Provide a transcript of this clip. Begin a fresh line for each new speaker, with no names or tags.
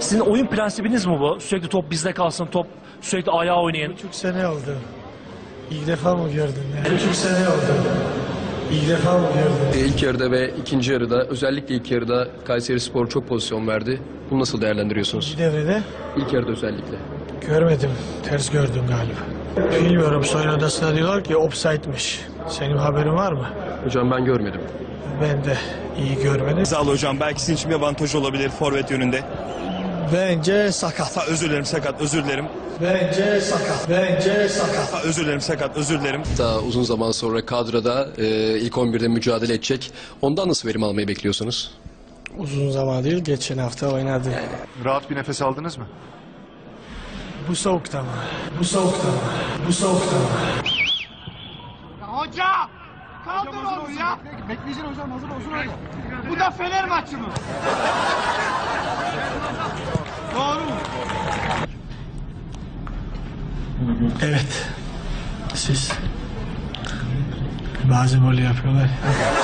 Sizin oyun prensibiniz mi bu? Sürekli top bizde kalsın, top sürekli ayağa oynayın.
3,5 sene oldu. İlk defa mı gördün? 3,5 sene oldu. İlk defa mı gördün?
İlk yarıda ve ikinci yarıda, özellikle ilk yarıda Kayserispor çok pozisyon verdi. Bunu nasıl değerlendiriyorsunuz?
İkinci devrede
İlk yarıda özellikle.
görmedim. Ters gördüm galiba. Bilmiyorum, soyun odasına diyorlar ki offside'miş. Senin haberin var mı?
Hocam ben görmedim.
Ben de iyi görmedim.
Sağ ol hocam. Belki sizin için bir avantaj olabilir forvet yönünde.
Bence sakat.
Özür dilerim, sakat, özür dilerim.
Bence sakat. Bence sakat.
Özür dilerim, sakat, özür dilerim.
Daha uzun zaman sonra kadroda ilk 11'de mücadele edecek. Ondan nasıl verim almayı bekliyorsunuz?
Uzun zaman değil, geçen hafta oynadı.
Rahat bir nefes aldınız mı?
Bu soğukta mı? Bu soğukta mı? Bu soğukta mı?
Hoca! Kaldır onu ya! Bekleyeceksin hocam, hazır olsun öyle. Bu da Fener maçı mı? Doğru mu?
Evet. Siz. Bazı gol yapıyorlar.